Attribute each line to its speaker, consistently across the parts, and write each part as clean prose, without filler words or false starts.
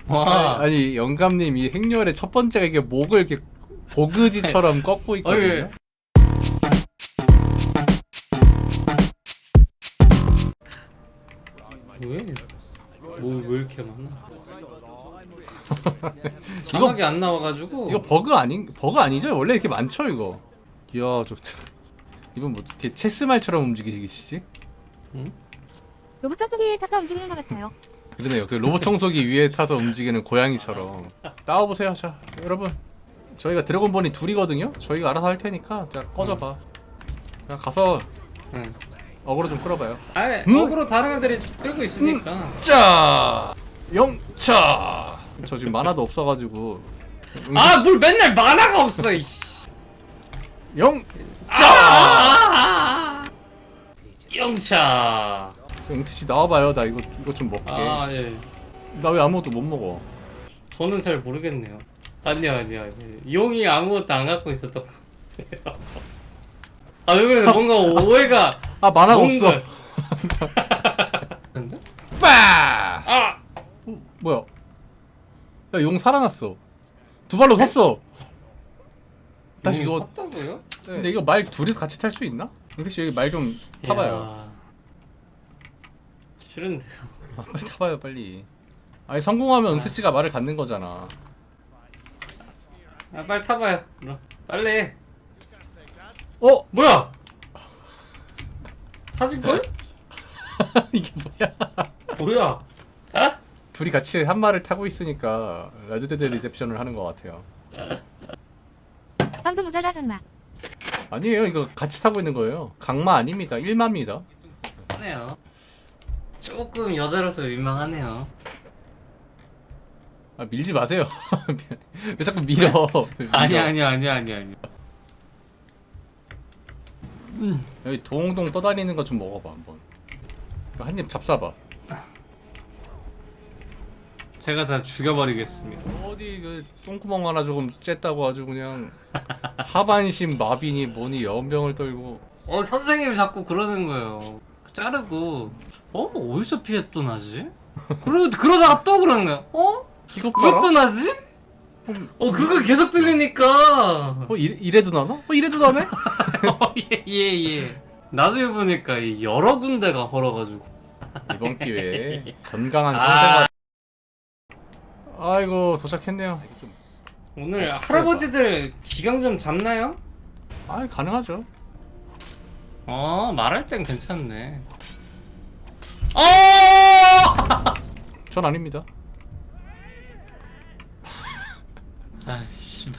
Speaker 1: 와.
Speaker 2: 아니 영감님 이 행렬의 첫 번째가 이게 목을 이렇게 보그지처럼 꺾고 있거든요.
Speaker 1: 왜? 왜 이렇게 많나? 자막이 안 나와가지고.
Speaker 2: 이거 버그 아니죠? 원래 이렇게 많죠 이거. 이야 이건 뭐 이렇게 체스말처럼 움직이시지?
Speaker 1: 응?
Speaker 3: 로봇 청소기 위에 타서 움직이는 것 같아요.
Speaker 2: 그러네요. 그 로봇 청소기 위에 타서 움직이는 고양이처럼. 따와보세요. 자 여러분 저희가 드래곤본이 둘이거든요. 저희가 알아서 할 테니까 자 꺼져봐. 그냥 가서
Speaker 1: 응.
Speaker 2: 어그로 좀 끌어봐요.
Speaker 1: 어그로 다른 애들이 끌고 있으니까.
Speaker 2: 자 영차. 저 지금 만화도 없어가지고.
Speaker 1: 뭘 맨날 만화가 없어 이씨.
Speaker 2: 영차.
Speaker 1: 영차.
Speaker 2: 영태씨 나와봐요. 나 이거 좀 먹게.
Speaker 1: 예.
Speaker 2: 나 왜 아무것도 못 먹어?
Speaker 1: 저는 잘 모르겠네요. 아니야. 용이 아무것도 안 갖고 있었던 것 같아요. 왜 그래? 뭔가 오해가.
Speaker 2: 만화가
Speaker 1: 뭔가-
Speaker 2: 없어.
Speaker 1: 근데?
Speaker 2: 빠! 뭐야? 야, 용 살아났어. 두 발로 섰어. 다시
Speaker 1: 용이
Speaker 2: 이거.
Speaker 1: 섰다고요?
Speaker 2: 근데 이거 말 둘이서 같이 탈 수 있나? 영태씨 여기 말 좀 타봐요.
Speaker 1: 이야, 싫은데요.
Speaker 2: 빨리 타봐요, 빨리. 아니 성공하면 은태씨가 말을 갖는 거잖아.
Speaker 1: 빨리 타봐요. 그럼. 빨리.
Speaker 2: 뭐야?
Speaker 1: 타질 걸?
Speaker 2: 이게 뭐야?
Speaker 1: 뭐야?
Speaker 2: 둘이 같이 한 말을 타고 있으니까 레드데드 리셉션을 하는 것 같아요.
Speaker 3: 방금 모자라 강마.
Speaker 2: 아니에요, 이거 같이 타고 있는 거예요. 강마 아닙니다, 일마입니다.
Speaker 1: 하네요. 조금 여자로서 민망하네요.
Speaker 2: 밀지 마세요. 왜 자꾸 밀어?
Speaker 1: 아니야.
Speaker 2: 여기 동동 떠다니는 거 좀 먹어봐 한번. 한 입 잡숴봐.
Speaker 1: 제가 다 죽여버리겠습니다.
Speaker 2: 어디 그 똥구멍 하나 조금 쬐다고 아주 그냥 하반신 마비니 뭐니 연병을 떨고.
Speaker 1: 선생님이 자꾸 그러는 거예요. 자르고 어디서 피해 또 나지? 그러다가 또 그러는 거야.
Speaker 2: 이거
Speaker 1: 왜
Speaker 2: 봐라.
Speaker 1: 또 나지? 그거 계속 들리니까.
Speaker 2: 이래도 나나? 이래도 나네?
Speaker 1: 예. 나중에 보니까 여러 군데가 헐어가지고.
Speaker 2: 이번 기회에 건강한 상태가. 아이고 도착했네요.
Speaker 1: 오늘 할아버지들 기강 좀 잡나요?
Speaker 2: 가능하죠.
Speaker 1: 말할 땐 괜찮네.
Speaker 2: 전 아닙니다.
Speaker 1: 씨발.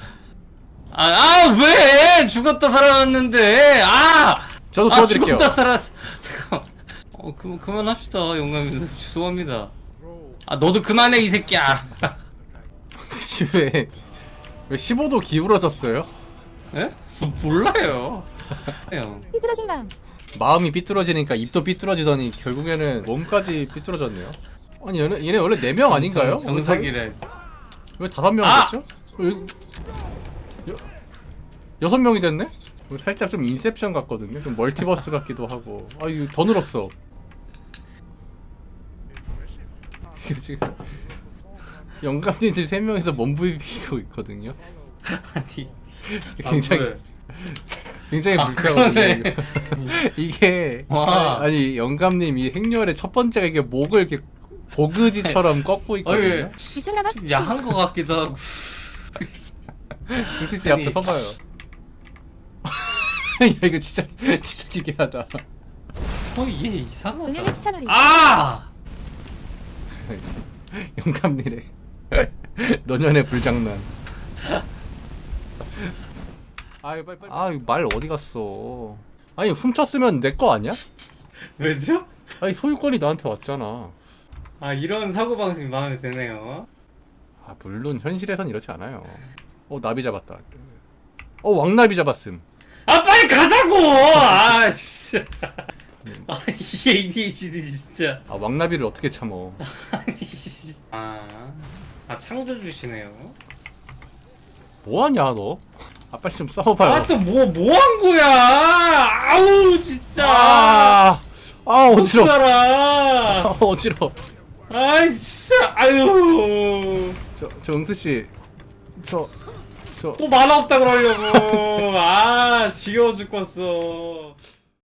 Speaker 1: 왜? 죽었다 살아났는데.
Speaker 2: 저도 도와드릴게요.
Speaker 1: 죽었다 살았어. 잠깐. 그만합시다, 용감님. 죄송합니다. 너도 그만해, 이 새끼야.
Speaker 2: 왜 15도 기울어졌어요?
Speaker 1: 예? 몰라요. 형.
Speaker 3: 삐뚤어진 마음.
Speaker 2: 마음이 삐뚤어지니까 입도 삐뚤어지더니 결국에는 몸까지 삐뚤어졌네요. 아니 얘네 원래 4명 아닌가요?
Speaker 1: 정석이래.
Speaker 2: 왜 5명 됐죠? 6명이 됐네? 살짝 좀 인셉션 같거든요. 좀 멀티버스 같기도 하고. 이거 더 늘었어. 이거 지금 영감님 지금 3명이서 몸부비고 있거든요.
Speaker 1: 아니.
Speaker 2: 굉장히 불쾌하거든요. 이게
Speaker 1: 와.
Speaker 2: 아니 영감님 이 행렬의 첫 번째가 이게 목을 이렇게 보그지처럼 꺾고 있거든요.
Speaker 3: 미쳤나봐.
Speaker 1: 야한 거 같기도 하고.
Speaker 2: 승태씨 앞에
Speaker 1: 아니.
Speaker 2: 서봐요. 야 이거 진짜 기괴하다.
Speaker 1: 얘 이상하다.
Speaker 3: 은혜의 채널이.
Speaker 2: 영감님의 노년의 불장난. 빨리. 말 어디 갔어? 아니 훔쳤으면 내 거 아니야?
Speaker 1: 왜죠?
Speaker 2: 아니 소유권이 나한테 왔잖아.
Speaker 1: 이런 사고방식 마음에 드네요.
Speaker 2: 물론 현실에선 이렇지 않아요. 나비 잡았다. 왕나비 잡았음.
Speaker 1: 빨리 가자고! 씨. 이 ADHD 진짜.
Speaker 2: 왕나비를 어떻게 참어?
Speaker 1: 창조 주시네요.
Speaker 2: 뭐하냐 너? 빨리 좀 싸워봐요.
Speaker 1: 또 뭐 한 거야? 아우 진짜.
Speaker 2: 어지러워.
Speaker 1: 살아.
Speaker 2: 어지러워.
Speaker 1: 진짜. 아유.
Speaker 2: 저 응스 씨, 저
Speaker 1: 또 만화 없다 그러려고. 아 지겨워 죽겠어.